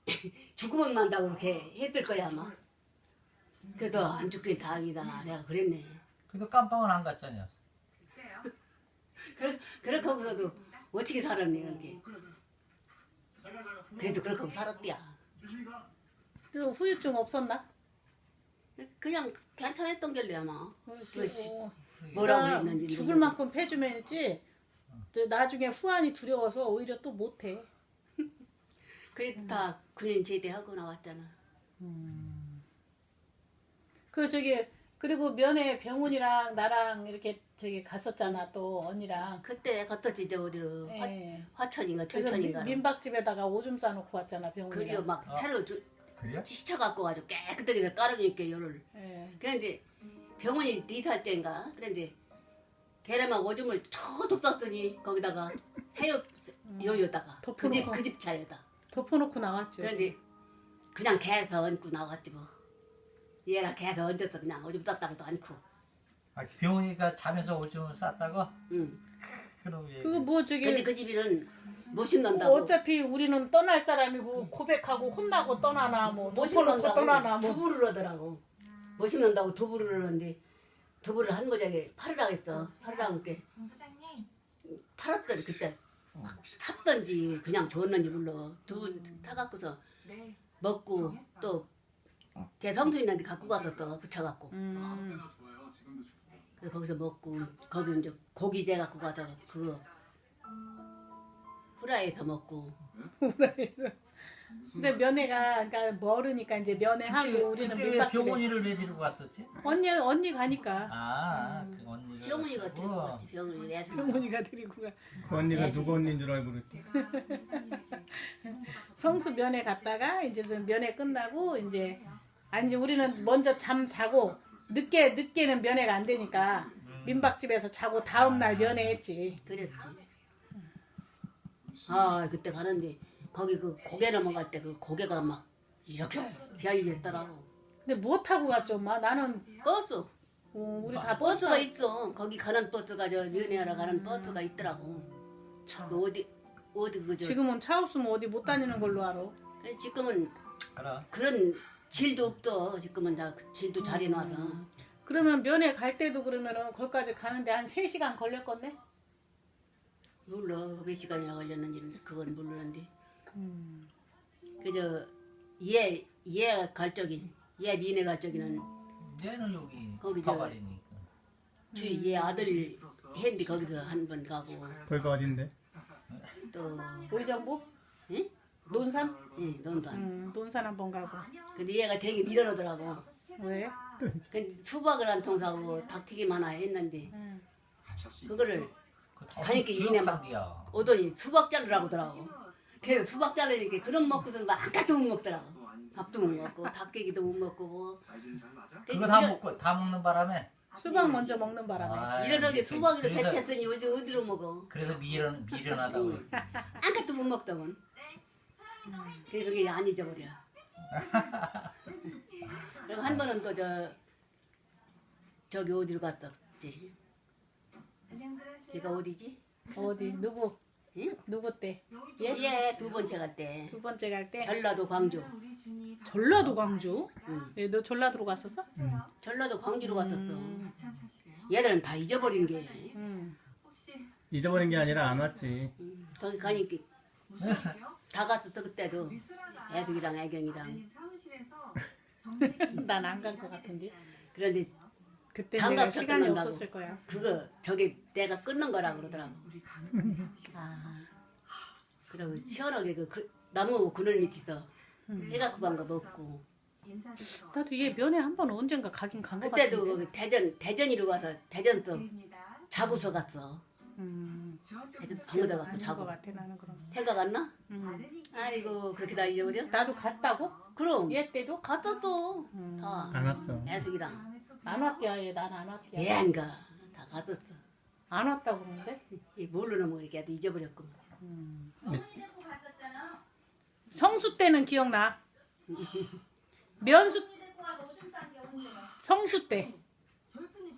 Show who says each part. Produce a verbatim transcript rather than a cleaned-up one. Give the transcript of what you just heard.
Speaker 1: 죽으면 만다고 그렇게 했을 거야 아마. 그래도 안 죽긴 다행이다. 내가 그랬네.
Speaker 2: 그래도 깜빵은 안 갔잖아요.
Speaker 1: 그래, 그렇게 하고서도 어떻게 살았니 그렇게. 그래도 그렇게 하고 살았디야.
Speaker 3: 또 후유증 없었나?
Speaker 1: 그냥 괜찮았던 결래 아마.
Speaker 3: 그리고
Speaker 1: 뭐라고
Speaker 3: 내가
Speaker 1: 했는지
Speaker 3: 죽을
Speaker 1: 모르겠어.
Speaker 3: 만큼 패주면이지 나중에 후환이 두려워서 오히려 또 못해.
Speaker 1: 그래도 다 군인 제대하고 나왔잖아.
Speaker 3: 그 저기 그리고 면회 병훈이랑 나랑 이렇게 저기 갔었잖아 또 언니랑.
Speaker 1: 그때 갔었지 저 어디로
Speaker 3: 예.
Speaker 1: 화, 화천인가
Speaker 3: 그래서
Speaker 1: 철천인가.
Speaker 3: 민박집에다가 오줌 싸놓고 왔잖아 병훈이랑.
Speaker 1: 그리고 막
Speaker 2: 어.
Speaker 1: 새로 주,
Speaker 2: 그래요?
Speaker 1: 지쳐 갖고 가지고 깨끗하게 깔아주니까 열을.
Speaker 3: 예.
Speaker 1: 그런데 병원이 네 살째인가. 그런데 걔네 막 오줌을 저도 쌌더니 거기다가 새우 요요다가 그 집
Speaker 3: 덮어놓고.
Speaker 1: 그 집 차에다.
Speaker 3: 덮어놓고 나왔죠.
Speaker 1: 그런데 그냥 개에서 얹고 나왔지 뭐. 얘랑 개에서 얹어서 그냥 오줌 쌌다고도 않고.
Speaker 2: 아, 병훈이가 잠에서 오줌을 쌌다고?
Speaker 1: 응.
Speaker 2: 그럼 예.
Speaker 3: 그거 뭐 저기
Speaker 1: 근데 그 집이는 못 씹는다고.
Speaker 3: 어차피 우리는 떠날 사람이고 고백하고 혼나고 떠나나 뭐
Speaker 1: 못
Speaker 3: 덮어놓고 떠나나
Speaker 1: 씹는다고
Speaker 3: 뭐.
Speaker 1: 두부를 하더라고. 못 씹는다고 두부를 하는데 두부를 한 모자에 팔으라 했어. 팔으라 하니까
Speaker 4: 본부장님.
Speaker 1: 팔았더니 그때 샀던지 그냥 줬는지 몰라. 두부 타갖고서
Speaker 4: 네.
Speaker 1: 먹고 또 개성수 있는데 갖고 가서 또 붙여갖고
Speaker 3: 음.
Speaker 1: 그래서 거기서 먹고 거기 이제 고기 재 갖고 가서 그거 후라이에서 먹고.
Speaker 3: 근데 면회가 그러니까 멀으니까 이제 면회하고 우리는
Speaker 2: 그때
Speaker 3: 민박집에
Speaker 2: 병훈이를 왜 데리고 갔었지?
Speaker 3: 언니 언니 가니까
Speaker 2: 아, 그 언니가.
Speaker 1: 병원이가
Speaker 2: 갔다고?
Speaker 1: 데리고 갔지. 병원이 애들.
Speaker 3: 병훈이가 데리고 가.
Speaker 5: 그 언니가 누구 언니인 줄 알고 그랬지.
Speaker 4: 제가 본부장님에게 지금보다
Speaker 3: 성수 면회 갔다가 이제 좀 면회 끝나고 이제 아니 이제 우리는 먼저 잠 자고 늦게 늦게는 면회가 안 되니까 민박집에서 자고 다음 날 면회했지.
Speaker 1: 그랬지. 아 그때 가는데 거기 그 고개 넘어갈 때 그 고개가 막 이렇게 비아이졌더라고.
Speaker 3: 근데 뭐 타고 갔죠, 엄마? 나는
Speaker 1: 버스.
Speaker 3: 어, 우리 다
Speaker 1: 버스가
Speaker 3: 버스가
Speaker 1: 있어. 거기 가는 버스가 저 면회하러 가는 버스가 있더라고.
Speaker 3: 참.
Speaker 1: 그 어디 어디 그저
Speaker 3: 지금은 차 없으면 어디 못 다니는 걸로 알아.
Speaker 1: 지금은
Speaker 2: 알아.
Speaker 1: 그런 질도 없어. 지금은 다 그 질도 잘 해놔서.
Speaker 3: 그러면 면회 갈 때도 그러면은 거기까지 가는데 한 세 시간 걸렸겠네?
Speaker 1: 몰라 몇 시간이나 걸렸는지는 그건 모르는데. 그저 얘얘 갈 적인 얘 미네 갈 적이는
Speaker 2: 얘는 여기
Speaker 1: 거기 저-
Speaker 2: 가발이니까.
Speaker 1: 주위 얘 아들 했는데 거기서 한 번 가고
Speaker 5: 거기가 어딘데?
Speaker 1: 또
Speaker 3: 의정부?
Speaker 1: 예?
Speaker 3: 논산?
Speaker 1: 예, 논산.
Speaker 3: 음, 논산 한 번 가고.
Speaker 1: 근데 얘가 되게 밀어넣더라고.
Speaker 3: 왜?
Speaker 1: 근데 수박을 한 통 사고 닭튀김 하나 했는데
Speaker 3: 음.
Speaker 1: 그거를
Speaker 2: 그거 다
Speaker 1: 가니까 이네 막
Speaker 2: 기억상이야.
Speaker 1: 오더니 수박 자르라고 하더라고. 그래서 수박 자르니까 그런 먹고서는 막 아무것도 못 먹더라고. 밥도 못 먹고 닭깨기도 못 먹고 뭐.
Speaker 2: 그거 다 먹고 다 먹는 바람에.
Speaker 3: 수박 먼저 먹는 바람에.
Speaker 2: 아,
Speaker 1: 이러하게 수박을
Speaker 2: 그래서-
Speaker 1: 배쳤더니 어디 어디로 먹어.
Speaker 2: 그래서 미련 미련하다고.
Speaker 1: 아무것도 못 먹더만. 그래서 그게 안 잊어버려. 그리고 한 번은 또 저 저기 어디로 갔었지? 걔가 어디지?
Speaker 3: 어디? 누구?
Speaker 1: 응?
Speaker 3: 누구 때?
Speaker 1: 얘 두 번째 갈 때.
Speaker 3: 두 번째 갈 때?
Speaker 1: 전라도 광주.
Speaker 3: 전라도 광주?
Speaker 1: 응.
Speaker 3: 예, 너 전라도로 갔었어?
Speaker 1: 전라도 광주로 갔었어.
Speaker 3: 음.
Speaker 1: 얘들은 다 잊어버린 게.
Speaker 3: 음.
Speaker 5: 잊어버린 게 아니라 안 왔지.
Speaker 1: 응. 거기 가니까 다 갔었어 그때도. 애숙이랑 애경이랑.
Speaker 3: 난 안 간 것 같은데.
Speaker 1: 그런데
Speaker 3: 그때
Speaker 1: 장갑
Speaker 3: 내가 시간이
Speaker 1: 섞는다고.
Speaker 3: 없었을 거야.
Speaker 1: 그거 저기 내가 끊는 거라 그러더라고.
Speaker 3: 아,
Speaker 1: 그리고 시원하게 그, 그 나무 그늘 밑에서 해갖고 간 거 먹고.
Speaker 3: 나도 얘 면회 한 번 언젠가 가긴 간 것
Speaker 1: 그때도
Speaker 3: 같은데.
Speaker 1: 거기 대전 대전이로 가서 대전서 자구서 갔어.
Speaker 3: 음,
Speaker 1: 대전 방에다 갖고
Speaker 3: 아닌 것
Speaker 1: 자고.
Speaker 3: 같아 나는 그럼.
Speaker 1: 생각 안 나?
Speaker 3: 음.
Speaker 1: 아이고 그렇게 다 잊어버려?
Speaker 3: 나도 갔다고?
Speaker 1: 그럼
Speaker 3: 얘 때도?
Speaker 1: 갔었어.
Speaker 3: 음.
Speaker 1: 다
Speaker 5: 안 왔어.
Speaker 1: 애숙이랑
Speaker 3: 안 왔대야 얘. 난 안 왔대야.
Speaker 1: 얘인가 다 갔었어.
Speaker 3: 안 왔다고 그러는데?
Speaker 1: 이 모르는 뭐 이렇게 잊어버렸고.
Speaker 3: 성수 때는 기억나. 면수 성수 때